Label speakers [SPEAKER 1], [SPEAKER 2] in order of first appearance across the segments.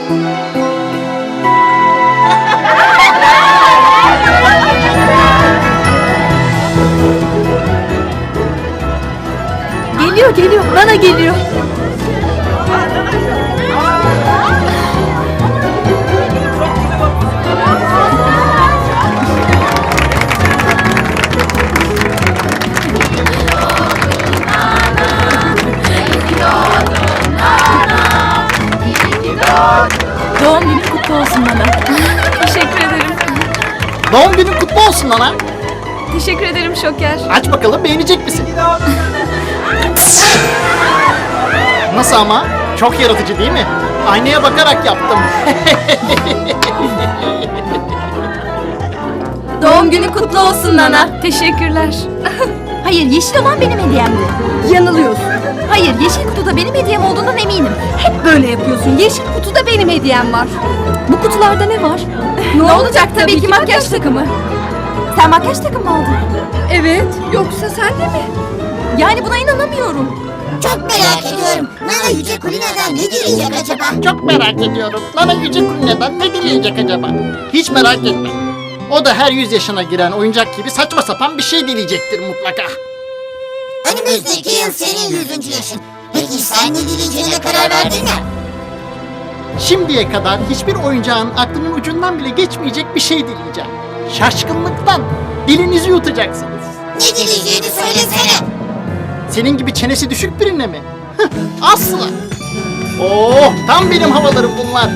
[SPEAKER 1] Geliyor. Nana geliyor. Doğum günün kutlu olsun Nana.
[SPEAKER 2] Teşekkür ederim.
[SPEAKER 3] Doğum günün kutlu olsun Nana.
[SPEAKER 2] Teşekkür ederim Şoker.
[SPEAKER 3] Aç bakalım, beğenecek misin? Nasıl ama? Çok yaratıcı değil mi? Aynaya bakarak yaptım.
[SPEAKER 1] Doğum günün kutlu olsun Nana.
[SPEAKER 2] Teşekkürler.
[SPEAKER 1] Hayır, yeşil olan benim hediyemdi. Yanılıyorsun. Hayır, yeşil kutuda benim hediyem olduğundan eminim. Hep böyle yapıyorsun. Yeşil kutuda benim hediyem var. Bu kutularda ne var? Ne olacak tabii ki makyaj takımı. Sen makyaj takımı mı aldın? Evet. Yoksa sen de mi? Yani buna inanamıyorum.
[SPEAKER 4] Çok merak ediyorum. Nana Yüce Kulina'dan ne dileyecek acaba?
[SPEAKER 3] Çok merak ediyorum. Nana Yüce Kulina'dan ne dileyecek acaba? Hiç merak etme. O da her 100 yaşına giren oyuncak gibi saçma sapan bir şey dileyecektir mutlaka.
[SPEAKER 4] Önümüzdeki yıl senin 100. yaşın. Peki sen ne dileyeceğine karar verdin mi?
[SPEAKER 3] Şimdiye kadar hiçbir oyuncağın aklının ucundan bile geçmeyecek bir şey dileyeceğim. Şaşkınlıktan dilinizi yutacaksınız.
[SPEAKER 4] Ne dileyeceğini söylesene.
[SPEAKER 3] Senin gibi çenesi düşük birine mi? Hıh, asla. Oh, tam benim havalarım bunlar.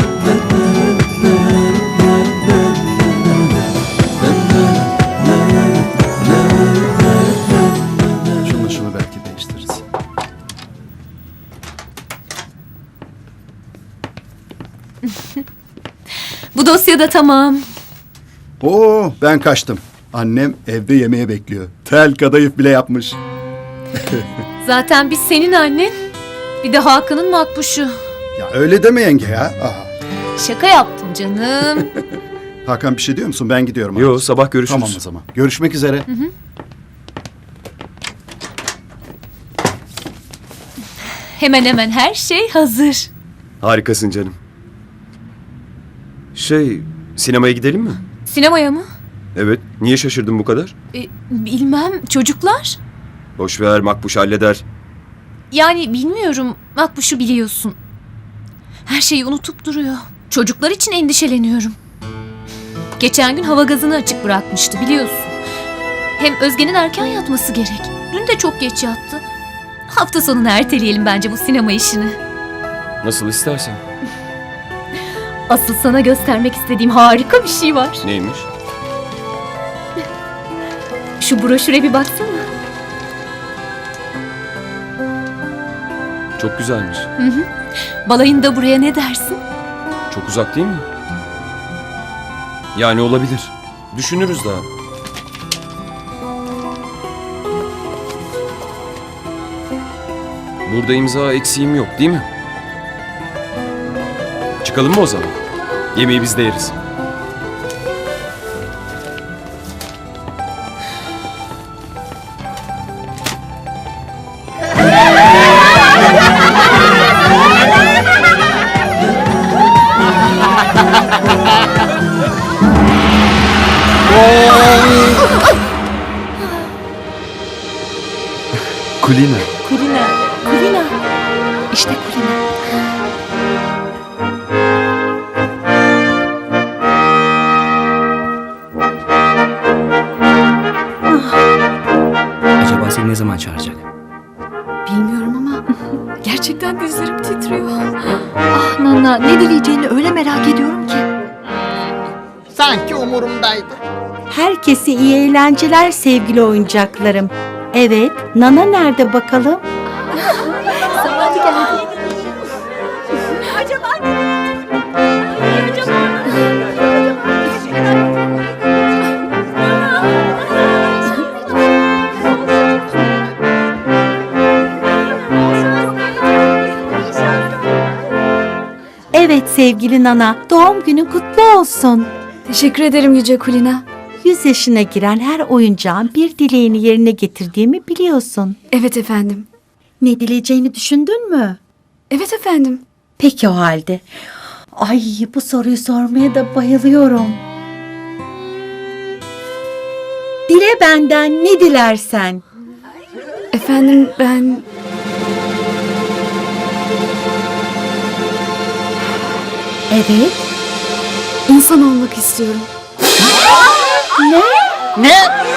[SPEAKER 5] Şunu belki değiştiririz.
[SPEAKER 2] Bu dosya da tamam.
[SPEAKER 5] Oo, ben kaçtım. Annem evde yemeğe bekliyor. Tel kadayıf bile yapmış.
[SPEAKER 2] Zaten biz senin annen. Bir de Hakan'ın makbuşu.
[SPEAKER 5] Ya öyle deme yenge ya. Aha.
[SPEAKER 2] Şaka yaptım canım.
[SPEAKER 5] Hakan bir şey diyor musun? Ben gidiyorum.
[SPEAKER 6] Yo,
[SPEAKER 5] abi.
[SPEAKER 6] sabah görüşürüz.
[SPEAKER 5] Tamam o zaman. Görüşmek üzere.
[SPEAKER 2] Hemen hemen her şey hazır.
[SPEAKER 6] Harikasın canım. Sinemaya gidelim mi?
[SPEAKER 2] Sinemaya mı?
[SPEAKER 6] Evet. Niye şaşırdın bu kadar?
[SPEAKER 2] Bilmem. Çocuklar?
[SPEAKER 6] Boş ver, Makbuş halleder.
[SPEAKER 2] Yani bilmiyorum. Makbuşu biliyorsun. Her şeyi unutup duruyor. Çocuklar için endişeleniyorum. Geçen gün hava gazını açık bırakmıştı biliyorsun. Hem Özge'nin erken yatması gerek. Dün de çok geç yattı. Hafta sonunu erteleyelim bence bu sinema işini.
[SPEAKER 6] Nasıl istersen.
[SPEAKER 2] Asıl sana göstermek istediğim harika bir şey var.
[SPEAKER 6] Neymiş?
[SPEAKER 2] Şu broşüre bir baksana.
[SPEAKER 6] Çok güzelmiş.
[SPEAKER 2] Balayında buraya ne dersin?
[SPEAKER 6] Çok uzak değil mi? Yani olabilir. Düşünürüz daha. Burada imza eksiğim yok değil mi? Çıkalım mı o zaman? Yemeği biz de yeriz.
[SPEAKER 5] Kulina.
[SPEAKER 2] Kulina. İşte Kulina.
[SPEAKER 7] Acaba seni ne zaman çağıracak?
[SPEAKER 2] Bilmiyorum ama gerçekten dizlerim titriyor.
[SPEAKER 1] Ah Nana, ne dileyeceğini öyle merak ediyorum ki.
[SPEAKER 3] Sanki umurumdaydı.
[SPEAKER 8] Herkese iyi eğlenceler sevgili oyuncaklarım. Evet, Nana nerede bakalım?
[SPEAKER 2] Zamanı geldi.
[SPEAKER 8] Evet sevgili Nana, doğum günün kutlu olsun.
[SPEAKER 2] Teşekkür ederim Yüce Kulina.
[SPEAKER 8] 100 yaşına giren her oyuncağın bir dileğini yerine getirdiğimi biliyorsun.
[SPEAKER 2] Evet efendim.
[SPEAKER 8] Ne dileyeceğini düşündün mü?
[SPEAKER 2] Evet efendim.
[SPEAKER 8] Peki o halde. Ay, bu soruyu sormaya da bayılıyorum. Dile benden ne dilersen.
[SPEAKER 1] Efendim ben...
[SPEAKER 8] Evet.
[SPEAKER 1] insan olmak istiyorum.
[SPEAKER 3] Ne?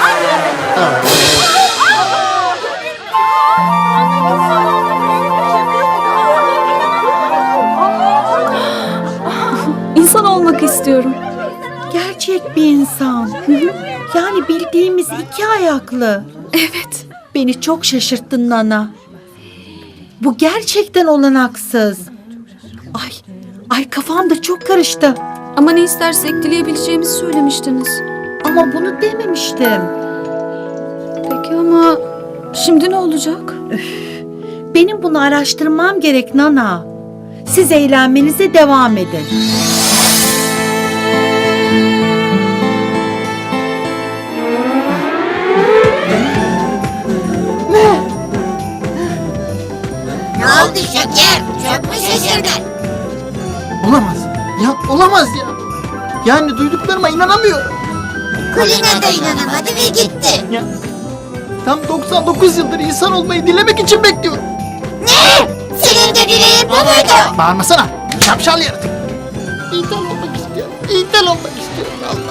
[SPEAKER 1] İnsan olmak istiyorum.
[SPEAKER 8] Gerçek bir insan. Yani bildiğimiz iki ayaklı.
[SPEAKER 1] Evet.
[SPEAKER 8] Beni çok şaşırttın Nana. Bu gerçekten olanaksız. Ay kafam da çok karıştı.
[SPEAKER 1] Ama ne istersek dileyebileceğimizi söylemiştiniz.
[SPEAKER 8] Ama bunu dememiştim.
[SPEAKER 1] Peki ama şimdi ne olacak?
[SPEAKER 8] Benim bunu araştırmam gerek Nana. Siz eğlenmenize devam edin.
[SPEAKER 4] Ne oldu Şeker? Çok mu şaşırdın?
[SPEAKER 3] Olamaz. Ya olamaz ya. Yani duyduklarıma inanamıyorum.
[SPEAKER 4] Kulina da inanamadı ve gitti.
[SPEAKER 3] Ya. Tam 99 yıldır insan olmayı dilemek için bekliyorum.
[SPEAKER 4] Ne? Senin de dileğin bu muydu?
[SPEAKER 3] Bağırmasana. Şapşal yaratık. İnsan olmak istiyorum. İnsan olmak istiyorum. Allah.